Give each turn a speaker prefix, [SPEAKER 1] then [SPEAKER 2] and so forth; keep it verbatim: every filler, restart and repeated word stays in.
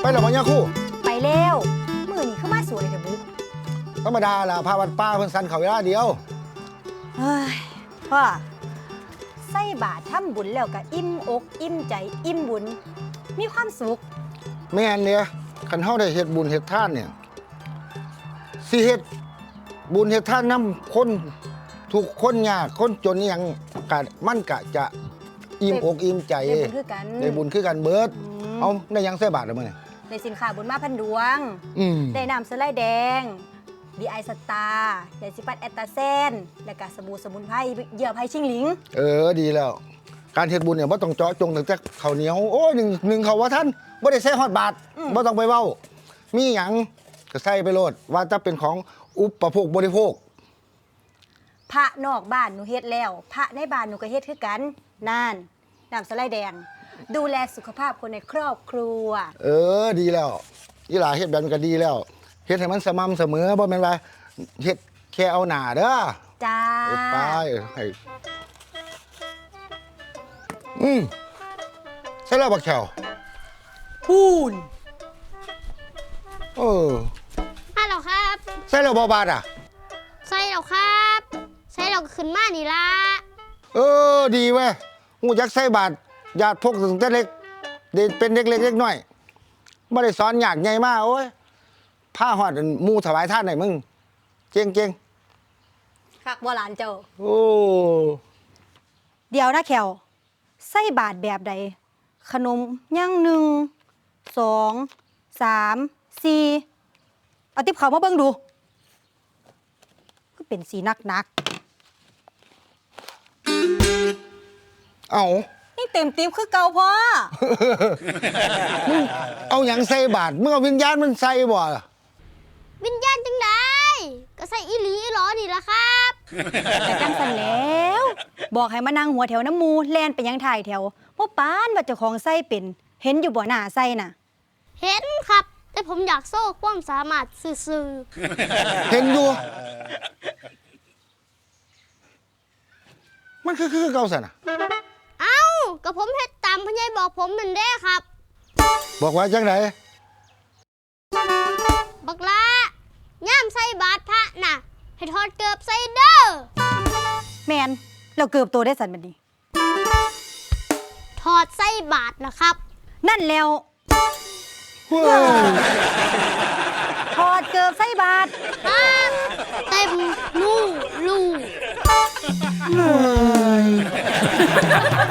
[SPEAKER 1] หรอบ่ย่าคู่
[SPEAKER 2] ไปแล้วมือนี่เข้ามาสวยเถอะบุ๊ก
[SPEAKER 1] ธรรมดาล่ะพาวัดป้าเพิ่นสั่นเขาเวลาเดียว
[SPEAKER 2] เฮ้ยพ่อใส่บาตรทำบุญแล้วก็อิ่มอกอิ่มใจอิ่มบุญมีความสุข
[SPEAKER 1] แม่นเนี่ยคันเฮาได้เฮ็ดบุญเฮ็ดทานเนี่ยสิเฮ็ดบุญเฮ็ดทานนำคนทุกคนยากคนจนอีหยังก็มันก็จะอิ่มอกอิ่มใจ
[SPEAKER 2] ได้บุญคือกัน
[SPEAKER 1] ได้บุญคือกันเบิดเอาได้ยังใส่บาตรแล้วมื้อนี้
[SPEAKER 2] ได้สินค้าบุญมาพันดวงได้น้ำสไลด์แดงดีไอสตาร์ยาสีฟันแอตตาเซนและก็สบู่สมุนไพรเหยื่อไผ่ชิงหลิง
[SPEAKER 1] เออดีแล้วการเฮ็ดบุญเนี่ยบ่ต้องเจาะจงตั้งแต่ข้าวเหนียวโอ้ยหนึ่งหนึ่งเขาว่าท่านบ่ได้ใส่ฮอดบาทบ่ต้องไปเว้ามีหยังก็ใส่ไปโลดว่าจะเป็นของอุปโภคบริโภค
[SPEAKER 2] พระนอกบ้านหนูเฮ็ดแล้วพระในบ้านหนูก็เฮ็ดคือกันนั่นน้ำสไลด์แดงดูแลสุขภาพคนในครอบครัว
[SPEAKER 1] เออดีแล้วอีหลาเฮ็ดแบบนี้ก็ดีแล้วเฮ็ดให้มันสม่ำเสมอบ่แม่นว่าเฮ็ดแค่เอาหน้าเด้อ
[SPEAKER 2] จ้า
[SPEAKER 1] ไปให้อืมใช่แล้วบักแขว
[SPEAKER 2] พูน
[SPEAKER 1] เออ
[SPEAKER 3] ฮัลโหลครับ
[SPEAKER 1] ใช่แล้วบ่บาดอ่ะ
[SPEAKER 3] ใช่แล้วครับใช่แล้วขึ้นมานี่ละ
[SPEAKER 1] เออดีเว้ยหูจักใส่บาทญาติพกถึงแต่เล็กเด็กเป็นเด็กเล็กเล็กน้อยบ่ได้สอนยากใหญ่มากโอ้ยผ้าหอดหมู่ถวายท่านไหนมึงเก่งเก่ง
[SPEAKER 2] คักบ่หลานเจ้า
[SPEAKER 1] โอ้
[SPEAKER 2] เดี๋ยวนะแขวใส่บาทแบบใดขนมย่างหนึ่งสองสามสี่เอาติ๊บเขามาเบิ่งดูก็เป็นสีนักนัก
[SPEAKER 1] เอา
[SPEAKER 2] นี่เต็มติ๊บคือเก่าพ่อ
[SPEAKER 1] มึงเอาอย่างใส่บาทมึงเอาวิญญาณมันใส่บ่
[SPEAKER 3] วิญญาณจังไดก็ใส่อีหลีหรอนี่ละครับ
[SPEAKER 2] แต่จังสันแล้วบอกให้มานั่งหัวแถวน้ำมูแลนไปยังถ่ายแถวพ่อป้านว่าเจ้าของใส่เป็นเห็นอยู่บ่หน้าใส่น่ะ
[SPEAKER 3] เห็นครับแต่ผมอยากโซ่ความสามารถซื่อ
[SPEAKER 1] เห็นอยู่มันคือคือเก่าสันอ่ะ
[SPEAKER 3] เอ้าก็ผมเฮ็ดตามพ่อใหญ่บอกผมนั่นเด้ครับ
[SPEAKER 1] บอกว่าจังไหน
[SPEAKER 3] บักละย่ามใส่บาตรพระน่ะให้ถอดเกือบใส่เด้อ
[SPEAKER 2] แมนเราเกือบตัวได้สันบัดนี้
[SPEAKER 3] ถอดใส่บาตรนะครับ
[SPEAKER 2] นั่นแล้วถอดเกือบใส่บาตร
[SPEAKER 3] เต็มลูลู